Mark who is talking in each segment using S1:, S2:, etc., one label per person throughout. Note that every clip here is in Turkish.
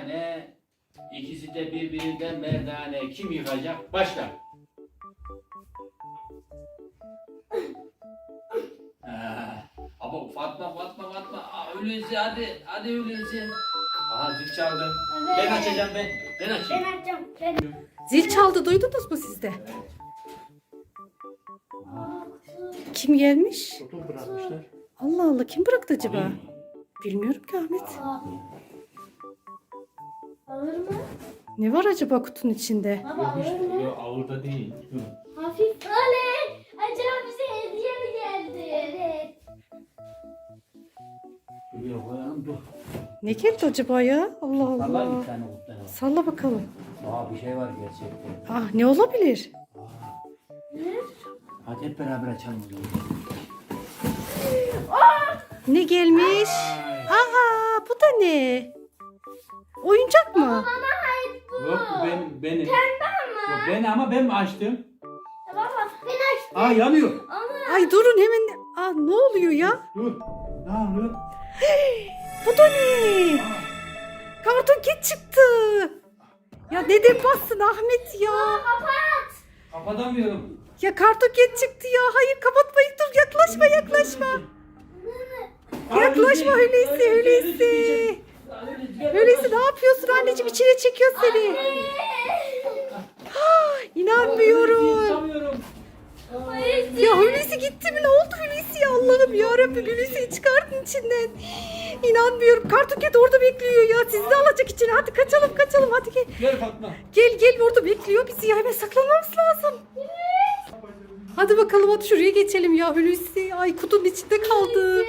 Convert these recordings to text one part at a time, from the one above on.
S1: Ne? İkisi de birbirinden merdane. Kim yıkacak? Başla. Ama Fatma. Öyleyse hadi. Hadi öyleyse. Aha zil çaldı.
S2: Evet.
S1: Ben açacağım ben. Ben açayım.
S2: Ben açacağım. Ben.
S3: Zil çaldı, duydunuz mu siz de?
S1: Evet.
S3: Kim gelmiş?
S1: Kutu bırakmışlar.
S3: Allah Allah, kim bıraktı acaba?
S1: Alayım mı?
S3: Bilmiyorum ki Ahmet.
S2: Alır mı?
S3: Ne var acaba kutunun içinde?
S2: Baba alır mı?
S1: Yok ağırda değil.
S2: Hafif. Oley! Acaba bize hediye mi geldi? Evet.
S1: Şuraya koyalım dur.
S3: Ne geldi acaba ya? Allah
S1: Vallahi bir
S3: Allah.
S1: tane kutlar var.
S3: Salla bakalım.
S1: Bir şey var gerçekten.
S3: Ah, ne olabilir?
S2: Ne?
S1: Hadi hep beraber açalım o zaman.
S3: Ne gelmiş?
S1: Ay.
S3: Aa, bu da ne? Oyuncak mı?
S2: Bana ait bu.
S1: Yok benim.
S2: Pembe ama.
S1: Yok ben mi açtım?
S2: Baba ben açtım.
S1: Yanıyor.
S2: Ama
S3: Ay durun hemen. Aa, ne oluyor ya?
S1: Dur. Ne oluyor?
S3: Bu da ne? Karton Cat çıktı. Ya neden bastın Ahmet ya?
S2: kapat.
S1: Kapatamıyorum.
S3: Ya Karton Cat çıktı ya. Hayır kapatmayın, dur yaklaşma. Yaklaşma Hulusi. Hulusi ne yapıyorsun anneciğim, içine çekiyor seni. İnanmıyorum. Ya Hulusi gitti mi? Ne oldu Hulusi ya? Allah'ım yarabbim, Hulusi'yi çıkartın içinden. İnanmıyorum. Karton Cat orada bekliyor ya. Sizi de alacak içine. Hadi kaçalım hadi gel.
S1: Gel Fatma.
S3: Gel orada bekliyor bizi ya. Hemen saklanmamız lazım. Hadi bakalım, hadi şuraya geçelim ya Hulusi. Ay kutunun içinde kaldı.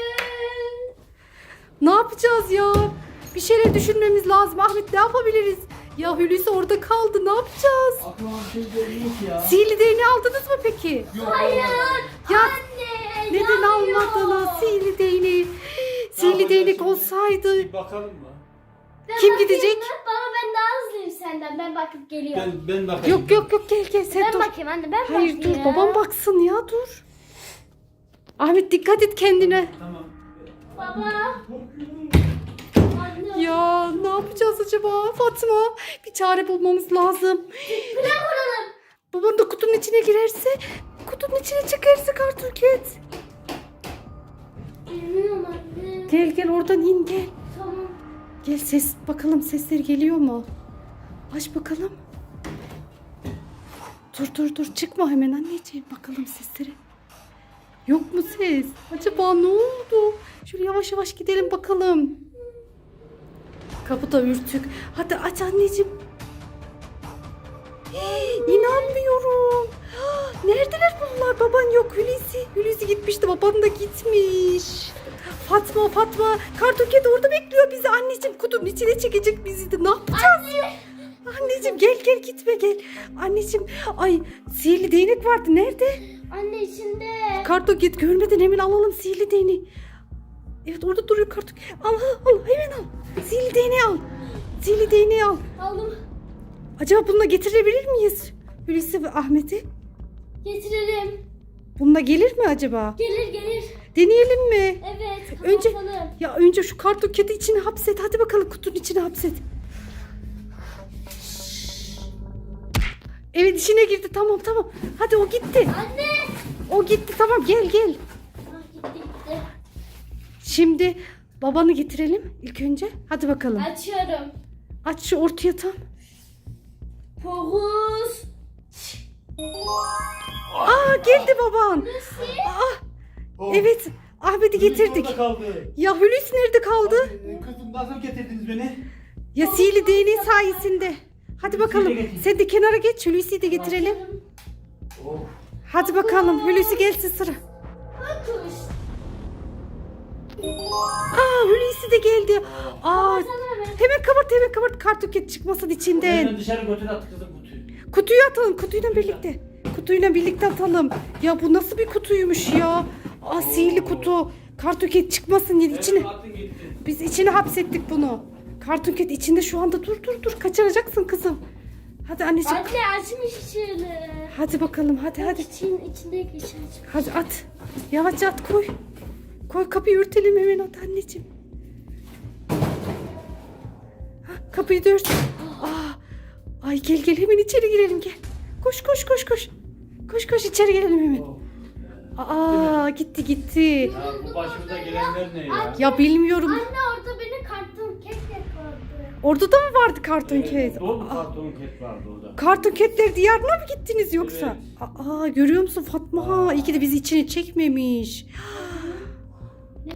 S3: Ne yapacağız ya? Bir şeyler düşünmemiz lazım. Ahmet ne yapabiliriz? Ya Hulusi orada kaldı. Ne yapacağız?
S1: Aklıma bir şey geliyor ki ya.
S3: Sihirli değneği aldınız mı peki?
S1: Yok.
S2: Hayır.
S3: Ya
S2: Anne.
S3: neden almadınız sihirli değneği? Sihirli değnek olsaydı.
S1: Bir bakalım mı?
S2: Ben
S3: Kim
S2: bakayım
S3: gidecek?
S2: mı? Baba ben daha hızlıyım senden. Ben bakıp geliyorum.
S1: Ben bakayım.
S3: Yok gel sen
S2: Ben
S3: dur.
S2: bakayım anne ben
S3: Hayır
S2: bakayım.
S3: dur, babam baksın ya, dur. Ahmet dikkat et kendine.
S1: Tamam.
S2: Baba. Anne.
S3: Ya ne yapacağız acaba Fatma? Bir çare bulmamız lazım.
S2: Plan kuralım.
S3: Baban da kutunun içine girerse, kutunun içine çıkarsa Karton Cat.
S2: Bilmiyorum anne.
S3: Gel oradan in gel.
S2: Tamam.
S3: Gel bakalım sesleri geliyor mu? Aç bakalım. Dur çıkma hemen anneciğim, bakalım sesleri. Yok mu ses? Acaba ne oldu? Şöyle yavaş gidelim bakalım. Kapı da ürtük. Hadi aç anneciğim. İnanmıyorum. Neredeler bunlar? Baban yok. Hulusi gitmişti. Baban da gitmiş. Fatma. Karton Cat orada bekliyor bizi. Anneciğim kutunun içine çekecek bizi de. Ne yapacağız? Anneciğim gel gitme gel. Anneciğim ay sihirli değnek vardı. Nerede?
S2: Anne içinde.
S3: Karton Cat görmeden hemen alalım sihirli değneği. Evet orada duruyor Karton Cat. Al hemen al. Sihirli değneği al.
S2: Aldım.
S3: Acaba bununla getirebilir miyiz? Hulusi ve Ahmet'i.
S2: Getirelim.
S3: Bununla gelir mi acaba?
S2: Gelir.
S3: Deneyelim mi?
S2: Evet.
S3: Önce
S2: Kapatalım.
S3: önce şu Karton Cat'i içine hapset. Hadi bakalım kutunun içine hapset. Evet içine girdi. Tamam. Hadi o gitti.
S2: Anne.
S3: O gitti. Tamam gel.
S2: Ah, gitti.
S3: Şimdi babanı getirelim ilk önce. Hadi bakalım.
S2: Açıyorum.
S3: Aç şu ortaya tam.
S2: Fokus.
S3: Aa geldi baban.
S2: Lucy.
S3: Evet Ahmet'i getirdik.
S1: Orada kaldı.
S3: Ya Hulusi nerede kaldı?
S1: Kızım nasıl getirdiniz beni?
S3: Ya sihirli değneği sayesinde. Hadi bakalım.
S1: Hulusi'yi de getir.
S3: Sen de kenara geç. Hulusi'yi de getirelim.
S1: Oh.
S3: Hadi bakalım. Hulusi gelsin sıra.
S2: Fokus.
S3: Hulusi de geldi.
S2: Kapatsana be.
S3: Hemen kapat. Karton Cat çıkmasın içinden.
S1: Hemen dışarı götür at kızım kutuyu.
S3: Kutuyu atalım. Kutuyla birlikte atalım. Ya bu nasıl bir kutuymuş ya? Sihirli kutu. Karton Cat çıkmasın içine.
S1: Evet, attın gitti.
S3: Biz içine hapsettik bunu. Karton Cat içinde şu anda. Dur. Kaçıracaksın kızım. Hadi anneciğim.
S2: Anne açmış içini.
S3: Hadi bakalım. Hadi.
S2: İçindeki içi açmış.
S3: Hadi at. Yavaşça at koy. Koy kapıyı örtelim hemen at anneciğim. Kapıyı da ört. Ay gel hemen içeri girelim gel. Koş. Koş içeri girelim hemen. Gitti.
S1: Ya bu başımıza gelenler ne ya?
S3: Ya bilmiyorum.
S2: Anne orada beni karton kek yakaladı.
S3: Orada da mı vardı karton ket?
S1: Dolu karton ket vardı orada.
S3: Karton ketler diyarına mı gittiniz yoksa?
S1: Evet.
S3: Görüyor musun Fatma? İyi ki de bizi içine çekmemiş.